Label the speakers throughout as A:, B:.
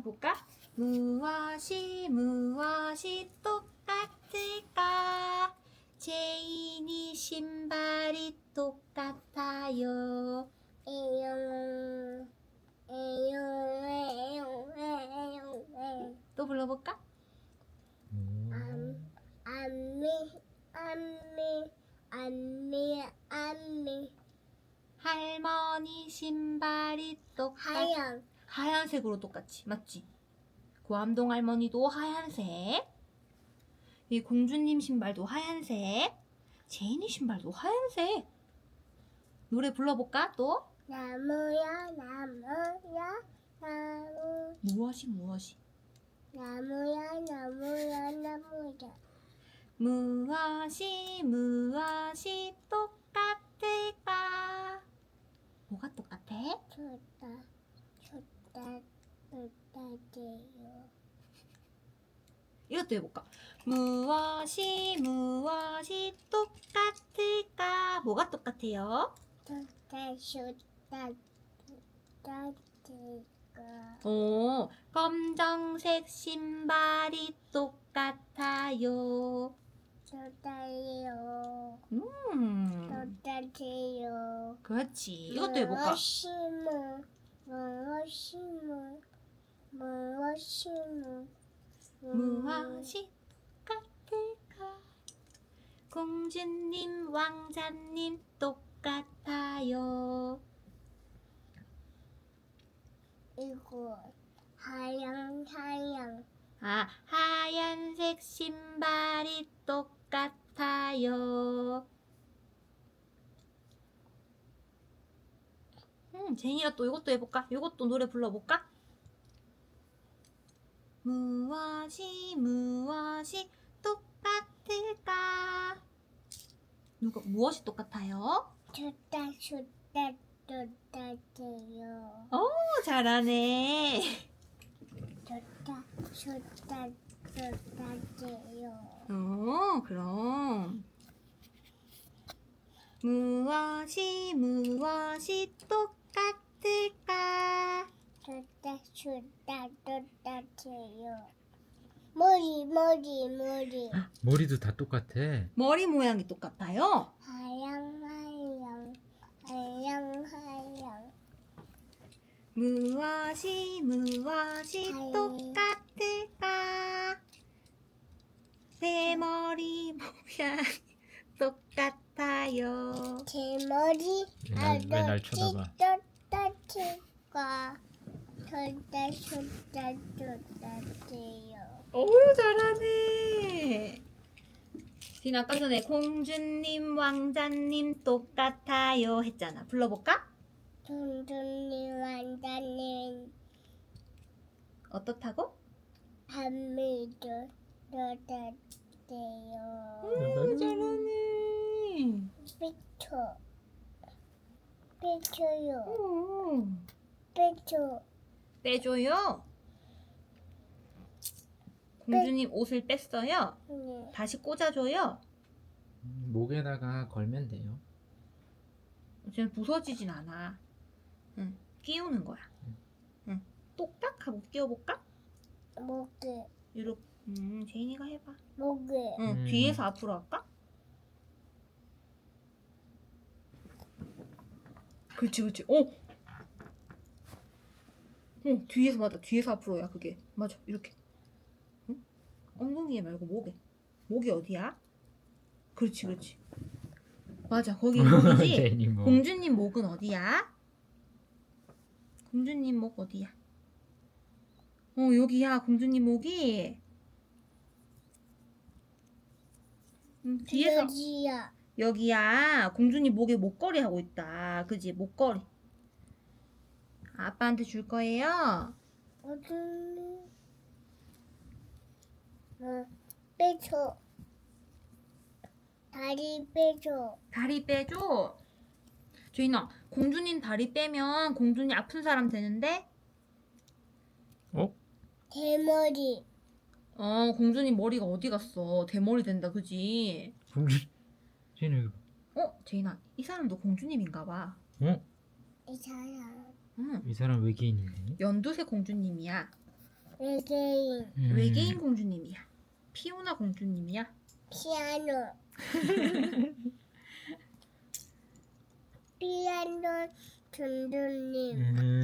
A: 볼까? 무엇이 똑같을까? 제인이 신발이 똑같아요. 또 불러볼까? 할머니 신발이 하얀색으로 똑같이 맞지? 고암동 할머니도 하얀색, 이 공주님 신발도 하얀색, 제인이 신발도 하얀색. 노래 불러볼까 또?
B: 나무야 나무
A: 무엇이
B: 나무야
A: 무엇이 똑같을까? 뭐가 똑같아?
B: 좋다지요.
A: 이것도 해볼까? 무엇이 똑같을까? 뭐가 똑같아요?
B: 좋다지요.
A: 검정색 신발이 똑같아요.
B: 좋다지요. 그렇지.
A: 이것도 해볼까? 무엇이 똑같을까? 공주님, 왕자님 똑같아요.
B: 이거 하얀
A: 하얀색 신발이 똑같아요. 제인이가 또 이것도 해볼까? 이것도 노래 불러볼까? 무엇이 똑같을까? 무엇이 똑같아요?
B: 좋다지요.
A: 오, 잘하네.
B: 좋다지요.
A: 그럼 무엇이 똑같을까?
B: 좋다지요. 머리
C: 머리도 다 똑같아.
A: 머리 모양이 똑같아요.
B: 하얀
A: 무엇이 똑같을까? 내 머리 모양 똑같아요.
B: 제 머리
C: 왜 날 쳐다봐?
B: 좋다지요.
A: 오, 잘하네. 진 아까 전에 공주님, 왕자님 똑같아요 했잖아. 불러볼까?
B: 공주님 왕자님
A: 어떻다고?
B: 밤미도 좋다지요.
A: 오, 잘하네.
B: 삐쳐요.
A: 오,
B: 삐쳐.
A: 빼줘요. 공주님 옷을 뺐어요.
B: 네.
A: 다시 꽂아줘요.
C: 목에다가 걸면 돼요.
A: 쟤는 부서지진 않아. 끼우는 거야. 똑딱 하고 끼워볼까?
B: 목에
A: 이렇게. 제인이가 해봐.
B: 목에
A: 뒤에서 앞으로 할까? 그렇지. 뒤에서 맞아. 뒤에서 앞으로야 그게. 맞아. 이렇게. 응? 엉덩이에 말고 목에. 목이 어디야? 그렇지. 맞아. 거기 목이지.
C: 제인이 뭐.
A: 공주님 목은 어디야? 공주님 목 어디야? 여기야. 공주님 목이. 뒤에서. 여기야. 공주님 목에 목걸이 하고 있다. 그지? 목걸이. 아빠한테 줄 거예요.
B: 어디 빼줘. 다리 빼줘.
A: 다리 빼줘. 제인아, 공주님 다리 빼면 공주님 아픈 사람 되는데?
B: 대머리.
A: 공주님 머리가 어디 갔어? 대머리 된다, 그지?
C: 제인이 여기 봐.
A: 제인아, 이 사람도 공주님인가 봐.
B: 이 사람
A: 응,
C: 이 사람 외계인이네.
A: 연두색 공주님이야.
B: 외계인,
A: 외계인 공주님이야. 피오나 공주님이야.
B: 피아노, 피아노 둔둔님,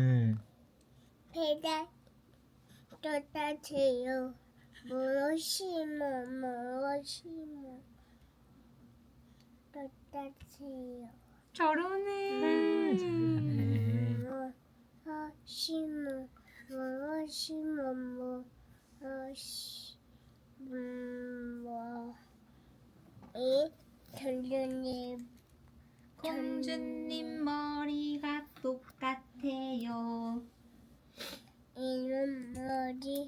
B: 배달 똑같아요. 무엇이모 똑같아요.
A: 잘하네.
B: 무엇이모 이 둔둔님
A: 공주님 머리가 똑같아요.
B: 이름 머리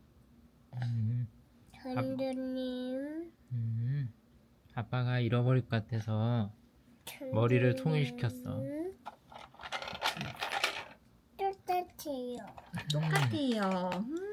B: 둔둔님
C: 아빠가 잃어버릴 것 같아서 머리를 통일시켰어.
B: 똑같아요.
A: 똑같아요.